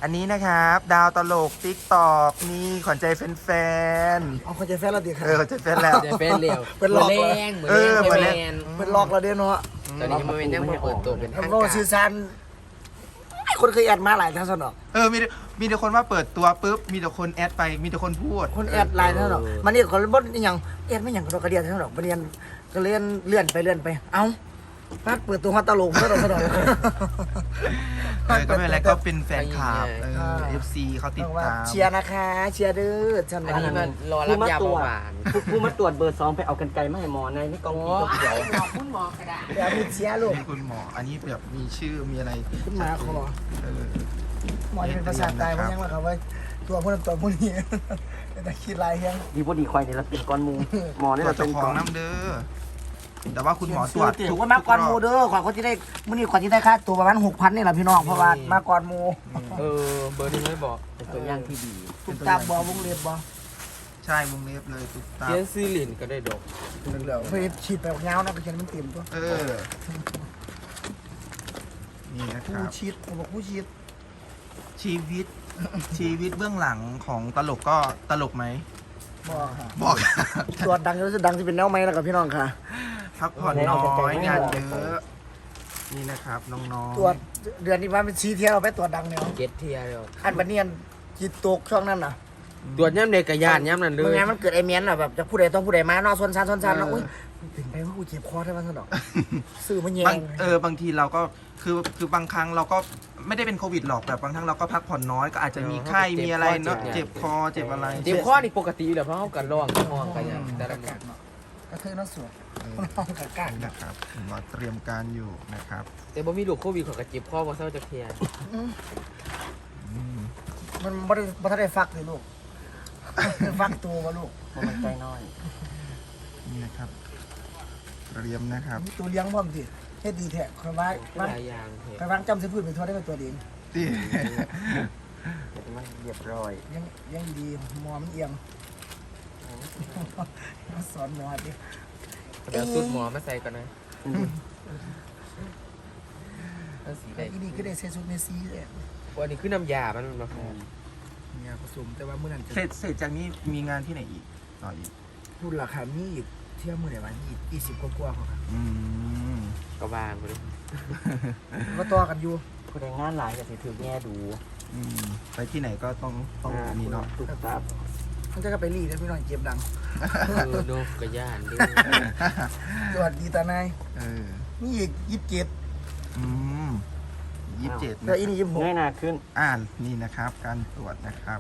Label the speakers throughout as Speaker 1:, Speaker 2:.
Speaker 1: อันนี้นะครับดาวตลกติ๊กตอกนี่ขวัญใจแฟน
Speaker 2: เอาคนใจแฟนเราดีครับ
Speaker 1: ขวัญใจแฟนแล้ว
Speaker 3: เดี๋ยวเป็นเหลว
Speaker 2: เป็นหลอก
Speaker 3: แรงเหมือนแรงแมน
Speaker 2: เป็นหลอกเราเด้เนาะ
Speaker 3: ตอนนี้ยังไม่เป็นยังไม่เปิดตัวเป็นทาง
Speaker 2: โล
Speaker 3: การ
Speaker 2: ซีซันคนเคยแอดมาหลายท่านสนอก
Speaker 1: มีแต่คนว่าเปิดตัวปุ๊บมีแต่คนแอดไปมีแต่คนพูด
Speaker 2: คนแอดหลายท่านสนอกมันนี่คนบ่นอย่างแอดไม่อย่างกระเดียนท่านสนอกประเด็นก็เลื่อนไปเอ้าพัดเปิดตัวมาตลกท่านสนอก
Speaker 1: ก็ไม่เป็นไรก็เป็นแฟนคลับFC เขาติดตาม
Speaker 2: เชียร์นะคะเชียร์เด้อฉัน
Speaker 3: อันนี้มันรอรับยาเบาหวาน
Speaker 4: ผู้มาตรวจเบอร์2ไปเอากันไกลมาให้หมอในนี่กองกินเขียว
Speaker 3: คุณหมอกระดาษ
Speaker 2: เดี๋ยวมีเชียร์ลูก
Speaker 1: นี่คุณหมออันนี้แบบมีชื่อมีอะไร
Speaker 2: ขึ้นมาคอ
Speaker 1: เออ
Speaker 2: หมอจะเป็นภาษาตายเพราะยังว่าเขาว่าตัวพวกนั้นตัวพวกนี้แต่คิดลายยัง
Speaker 4: ดีบดีควายเนี่ยเราเป็นก้อนมูหมอเนี่ย
Speaker 1: เรา
Speaker 4: เรา
Speaker 1: จะ
Speaker 4: เป็น
Speaker 1: ข
Speaker 4: ก้
Speaker 1: อ
Speaker 4: อง น
Speaker 1: น้ำเด้อแต่ว่าคุณหมอตรวจ
Speaker 2: ถือว่ามาก่อนโมเด้อขวัญเขาที่ได้มื้อนี้ขวัญที่ได้ค่าตัวประมาณ 6,000นี่แหละพี่น้องเพราะว่ามาก่อนโม
Speaker 3: เบอร์นี้ไม่บอก
Speaker 4: เป็นตัวอย่างที่ดี
Speaker 2: ถูกตามบ่วงเล็บบ่
Speaker 1: ใช่วงเล็บเลยตุ๊กตา
Speaker 3: เขียนซีลินก็ได้ดอก
Speaker 2: เหลือเพื่อฉีดไปยาวนะไปเขียนมันเต็มตัว
Speaker 1: เออนี่นะค
Speaker 2: ผู้
Speaker 1: รับ
Speaker 2: ฉีดผมบอกผู้ฉีด
Speaker 1: ชีวิตเบื้องหลังของตลกก็ตลกไหม
Speaker 2: บอกค่ะ
Speaker 1: บอก
Speaker 2: ตัวดังจะดังจะเป็นแนวไหมแล้วกับพี่น้องค่ะ
Speaker 1: พักผ่อนน้อยงานเยอะนี่นะครับน้องๆ
Speaker 2: ตัวเดือนนี้มาเป็นชีเที่ยวไปตัวดังเนี่ย
Speaker 3: เก็ตเทียเดียว
Speaker 2: อันบันเนียนจีตกช่วงนั้นน่ะ
Speaker 3: ตรวจย่ำเด็กกระยานย่ำนั่นเล
Speaker 2: เมื่
Speaker 3: ย
Speaker 2: อไงมันเกิดไอเมียนอ่ะแบบจะผู้ใดต้องผู้ใดมาเนาะซนซานแล้วอุ้ยเป็นไปว่ากูเจ็บคอได้บ้างสนอกสื่อมันแยง
Speaker 1: บางทีเราก็คือบางครั้งเราก็ไม่ได้เป็นโควิดหรอกแต่บางครั้งเราก็พักผ่อนน้อยก็อาจจะมีไข้มีอะไรเนาะเจ็บคอเจ็บอะไร
Speaker 3: เจ็บข้อนี่ปกติอยู่แล้วเพราะเขากันร้องห้องกันอย่างแต่ละ
Speaker 2: กากเนาะกระเทยน้องสวยน้องกากาก
Speaker 1: นะครับเราเตรียมการอยู่นะครับ
Speaker 3: แต่บ่มีลูกโควิดเขาก็เจ็บข้อเพราะเศร้าจะเทีย
Speaker 2: มันบ่ทันได้ฟักเลยลูกฟักตัววะลูก
Speaker 4: มันใจน้อย
Speaker 1: นี่นะครับเตรียมนะครับ
Speaker 2: มีตัวเลี้ยงพร้อมสิเฮ็ดดีแท้คอยว่า
Speaker 3: หลายอย่างเถ
Speaker 2: คอย
Speaker 3: อะ
Speaker 2: วางจำสิพูดเป็นตัวได้เป็นตัวเอง
Speaker 1: ที่
Speaker 4: มันเรียบร้อย
Speaker 2: ยังดีหมอมันเอียงมาสอนหมอดิ
Speaker 3: เดี๋ยวสุดหมอมาใส่กันนะนั่นสีแด
Speaker 2: แต่
Speaker 3: ง
Speaker 2: อีนี่ก็ได้เซซุเมซีเลย
Speaker 3: วันนี้คือน้ำยามันมาพอ
Speaker 2: เนี่ยผสมแต่ว่ามื้อนั้นจะ
Speaker 1: เสร็จจากนี้มีงานที่ไหนอีกต่ออีก
Speaker 2: รุ่นราคามีอีกเที่ยวมื้อไหนวะ20กว่าๆเขาครับ
Speaker 1: อืม
Speaker 3: กระบาลไปเลย
Speaker 2: ก็ต่อกันอยู่
Speaker 4: ผู้ใดงานหลายก็สิถือแง่ดู
Speaker 1: อืมไปที่ไหนก็ต้องมีเนาะ
Speaker 4: ตุกตับ
Speaker 2: มันจะก็ไปรีดให้พี่น้องเก็บดัง
Speaker 3: ดูกระยานดู
Speaker 2: สวัสดีตานาย
Speaker 1: เออ
Speaker 2: มีอีก27
Speaker 1: อืม27
Speaker 2: แล้ว
Speaker 1: นะ
Speaker 2: อีนี่
Speaker 4: ง่ายหนาขึ้น
Speaker 1: นี่นะครับ การตรวจนะครับ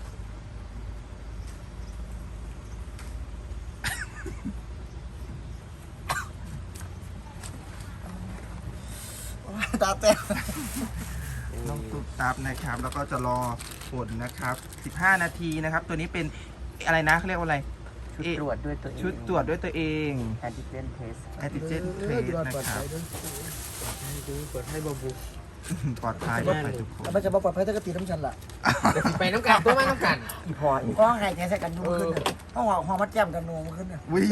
Speaker 2: 26ตาแต้ม
Speaker 1: ต้องตุ๊บตับนะครับ แล้วก็จะรอผลนะครับ15 นาทีนะครับ ตัวนี้เป็นอะไรนะเขาเรียกว่าอะไร
Speaker 4: ชุดตรวจด้วยตัวเอง
Speaker 1: ชุดตรวจด้วยตัวเอง
Speaker 4: แอนติเจนเทส
Speaker 1: แอนติเจนเทสนะครับ
Speaker 3: ดูเปิดให้บาบู
Speaker 1: ปลอดภัยทุกคน
Speaker 2: แล้วมันจะบ่ปลอดภัยถ้ากระตีน้ำฉันล่ะ
Speaker 3: เดี๋ยวไปน้ำกันตัวมาน้ำกัน
Speaker 4: อีพออีก
Speaker 2: ก็หายใจใส่กันยุ่งขึ้นน่ะห้องห้องมัดแจ่มกันนัวมันขึ้นน่ะ
Speaker 1: วิ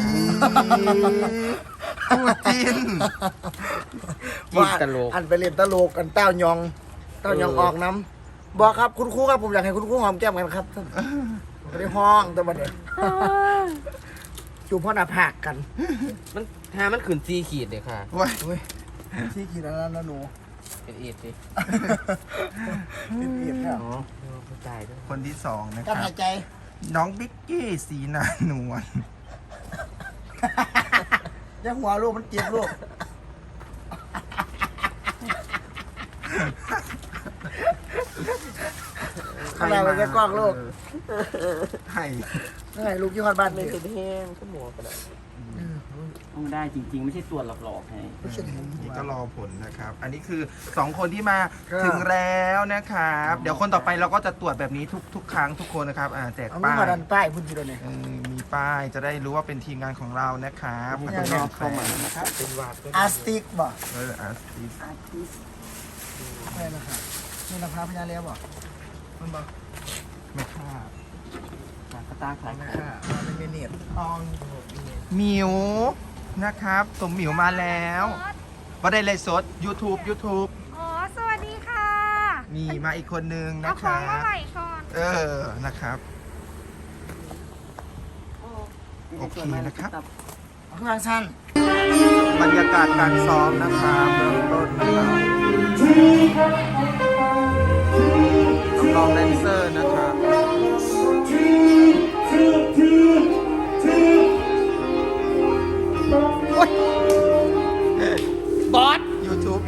Speaker 1: พูดจิน
Speaker 3: กินตลก
Speaker 2: อันไปเล่นตลกกันเต้ายองออกน้ำบอกครับคุณครูครับผมอยากให้คุณครูหอมแก้มกันครับไม่ได้ห้องแต่บัดเด็ดจูบพ่อหน้าผากกัน
Speaker 3: มันถ้ามันขืนซีขีดเลยค่ะ
Speaker 1: ว้ย
Speaker 2: เว้ยที่ขีดอันนั้นนะหนู
Speaker 3: เป็นเอ็ดดิ
Speaker 2: เป็นเอียดแล้ว
Speaker 3: เขาตายด้วย
Speaker 1: คนที่สองนะค
Speaker 2: การ
Speaker 1: รับ
Speaker 2: หายใจ
Speaker 1: น้องบิ๊กกี้สีนานวล
Speaker 2: ยังหัวลูกมันเจ็บลูกอะไรมันจะกล้องลูก
Speaker 1: ให้
Speaker 2: ยังไงลูกยี่ห้อบ้าน
Speaker 3: ไม่
Speaker 2: นี่
Speaker 3: เป็นแห้งก็หมอกระดาษ
Speaker 4: ต้องได้จริง ๆ ไม่ใช่ตรวจหลอกๆไง
Speaker 2: ไม่ใช่เห็น
Speaker 1: นี่ก็รอผลนะครับ อันนี้คือ2คนที่มาถึงแล้วนะครับ เดี๋ยวคนต่อไปเราก็จะตรวจแบบนี้ทุกครั้งทุกคนนะครับแจก
Speaker 2: เอามื
Speaker 1: ป้า
Speaker 2: อย มาดันป้ายพุ่นทีเดียวเนี่ย
Speaker 1: มีป้ายจะได้รู้ว่าเป็นทีมงานของเรานะครับ
Speaker 4: นี่ก็รอเข้ามานะครับ
Speaker 3: เป็นวาดก็
Speaker 2: อาร์ติกบ่
Speaker 1: อาร์ติส
Speaker 2: ไม่นะครับนี่นะพาพญาเลี้ยบ่มันบ่
Speaker 1: ไม่ค่า
Speaker 4: สตาร์คล้าย
Speaker 2: ไม่
Speaker 4: กัน
Speaker 2: ค่ะมันเป็นเนียดออง
Speaker 1: หมิวนะครับสมหมิวมาแล้วว่าได้เลยสด YouTube
Speaker 5: อ๋อ สวัสดีค่ะ
Speaker 1: มีมาอีกคนนึง
Speaker 5: เอา
Speaker 1: นะ
Speaker 5: ข
Speaker 1: ค
Speaker 5: อ
Speaker 1: รั
Speaker 5: งมา
Speaker 1: บ
Speaker 5: ใหม่ก่อน
Speaker 1: นะครับ โอเคนะครับ
Speaker 2: ข้างล่างสั้น
Speaker 1: บรรยากาศการซ้อมนะครับเบื้องต้นนะครับน้องๆแดนเซอร์นะครับโอ๊ย
Speaker 3: บอส
Speaker 1: YouTube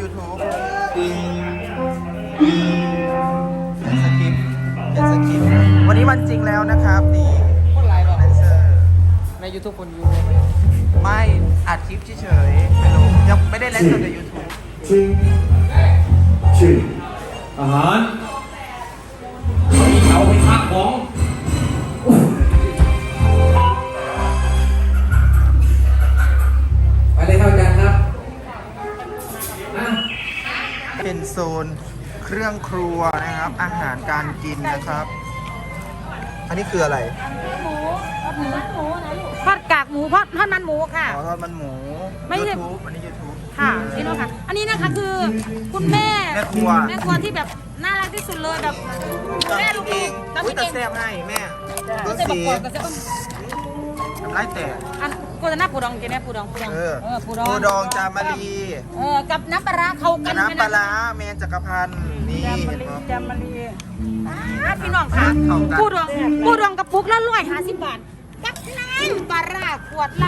Speaker 1: เป็นสคริปต์วันนี้วันจริงแล้วนะครับนี่
Speaker 3: คนไลน์บอก
Speaker 1: แดนเซอร์
Speaker 3: ใน YouTube คนยู
Speaker 1: ไม่อัดคลิปเฉยๆไม่รู้ยังไม่ได้ไลฟ์สดใน YouTube
Speaker 6: อาหารมีเขาไปพักของ ไปเลยครับอาจารย์ครับ
Speaker 1: เป็นโซนเครื่องครัวนะครับ อาหารการกินนะครับ อันนี้คืออะไร
Speaker 5: ทอดกากหมูทอดมันหมูค่ะ
Speaker 1: อ๋อทอดมันหมู
Speaker 5: ไม่ใช่
Speaker 1: YouTube อันนี้ YouTube
Speaker 5: ค่ะนี่เนาะค่ะ อันนี้นะคะคือคุณแม่
Speaker 1: แม่ครัว
Speaker 5: ที่แบบน่ารักที่สุดเลยแบบแม่ลูก
Speaker 1: เอง
Speaker 5: ๆทำ
Speaker 1: อุ้ยแต่
Speaker 5: เอง
Speaker 1: แซ่บให้แม่ดู
Speaker 5: เส้นประ
Speaker 1: สี
Speaker 5: กอบกับเส้น
Speaker 1: น้ำลายแตก
Speaker 5: อันกูจะหน้าปูดองกินไหมปูดอง
Speaker 1: เออ
Speaker 5: ปูดอง
Speaker 1: ปูดองจามารี
Speaker 5: กับน้ำปลาร้าเข้ากัน
Speaker 1: น้ำปลาร้าแมนจักรพันธ์นี่เห็นไหม
Speaker 5: พี่น้องค่ะ
Speaker 1: เข้ากัน
Speaker 5: ปูดองกระปุกละ150 บาทกับน้ำปลาร้าขวดละ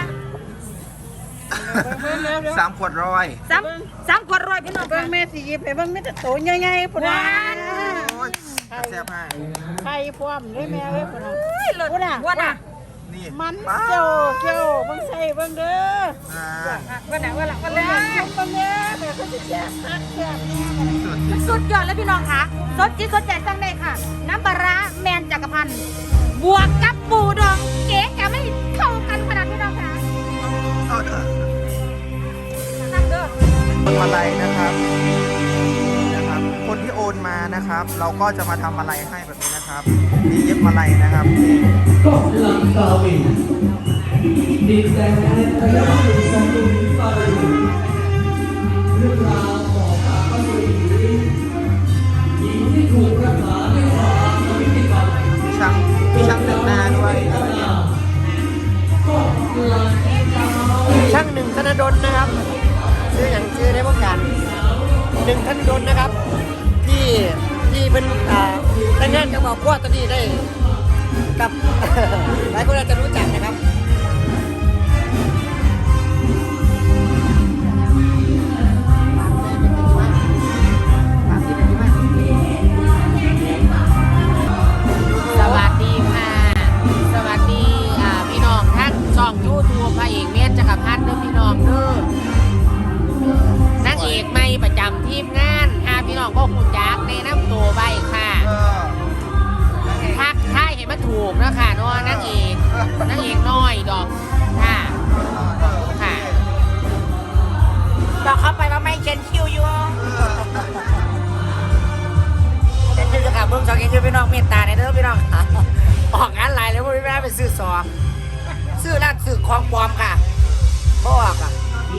Speaker 1: 3 ขวดร้อย
Speaker 5: สามขวดร้อยพี่น้อง
Speaker 7: เบิ่
Speaker 5: ค่ะ
Speaker 7: งแม่สิหยิบให้เบิ่งมีแต่โตใหญ่ๆพุ่น
Speaker 5: ห
Speaker 7: น่ะ
Speaker 5: วาน
Speaker 1: โอ้ยแต่แซ่บให้
Speaker 7: ไข่พร้อมเลยแม่เอ้ยพุ่นน่ะ
Speaker 5: เลิศว่าน่ะ
Speaker 1: นี่
Speaker 7: มัน
Speaker 1: ป๊า
Speaker 7: เจ้าเกี่ยวเบิ่งใส่เบิ่งเด้อ
Speaker 1: อ่า
Speaker 5: ว่าน่ะ
Speaker 7: เบิ่งแม่แม่ก็สิแซ่บคักแซ่บแน่
Speaker 1: สุดที่สุ
Speaker 5: สุ
Speaker 1: ด
Speaker 5: ดยอดเลยพี่น้องค่ะสดจิตสดใจสั่งได้ค่ะ น้ำปลาร้าแมนจักรพันธ์บวกกับปูดองเก๋จะไม่เข้ากันขนาดพี่น้องค่ะ
Speaker 1: เอาเถอะ
Speaker 5: นั่งเด้อ
Speaker 1: คนมาลัยนะครับนะครับ คนที่โอนมานะครับ เราก็จะมาทำอะไรให้แบบนี้นะครับนี่เย็บมาลัยนะครับนี่
Speaker 6: ก็หลังตาวินดินแดนระยะถึงสันตุนิไปเรื่องราวของพระพัสดีหญิงที่ถูกรักษาด้วยความอวิธิกรรม
Speaker 1: มีช่างแต่งหน้าด้วย
Speaker 2: ช่างหนึ่งธนดลนะครับชื่ออย่างชื่อได้พวกกันหนึ่งธนดลนะครับ ที่เป็นแต่งงานกับบอกว่าตอนนี้ได้กับ หลายคนอาจจะรู้จักนะครับพี่น้องเมตตาในเด้อพี่น้อง ออกงานหลายเลยพวกพี่แม่ไปซื้อซองซื้อร้านซื้อของปลอมค่ะบ่ออกอ่ะ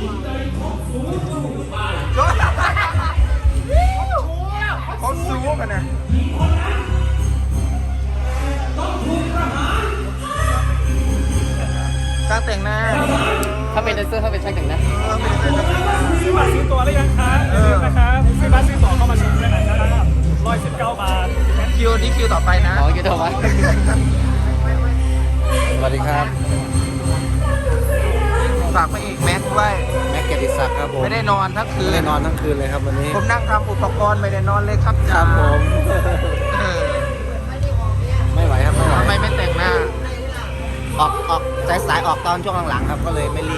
Speaker 1: เขาซูกันนะช่างแต่งหน้า
Speaker 3: ถ้าเป็นแดนเซอร์ถ้าเป็นช่างแต่งหน้า
Speaker 8: ซื้อบัตรซื้อตั๋วหรือยังครับอย่าลืมนะครับซื้อบัตรซื้อตั๋วเข้ามาชมได้นะครับ119 บาท
Speaker 1: คิวนี้คิวต่อไปนะ
Speaker 3: อ๋อคิวต่อไป
Speaker 2: สวัสดีครับ
Speaker 1: ฝากพระเอกแม็กซ์ด้วย
Speaker 2: แม็กเกียรติศักดิ์ครับผม
Speaker 1: ไม่ได้นอนทั้งคื
Speaker 2: ไม่
Speaker 1: น
Speaker 2: ได้นอนทั้งคืนเลยครับวันนี้
Speaker 1: ผมนั่งทำอุปกรณ์ไม่ได้นอนเลยครับ
Speaker 2: ค
Speaker 1: จ้า
Speaker 2: รับผม
Speaker 1: เออ
Speaker 2: ไม่ไหวครับไม่ไหว
Speaker 1: ทำไมไม่แต่งหน้า
Speaker 2: ออกสายๆออกตอนช่วงหลังๆครับก็เลยไม่รีบ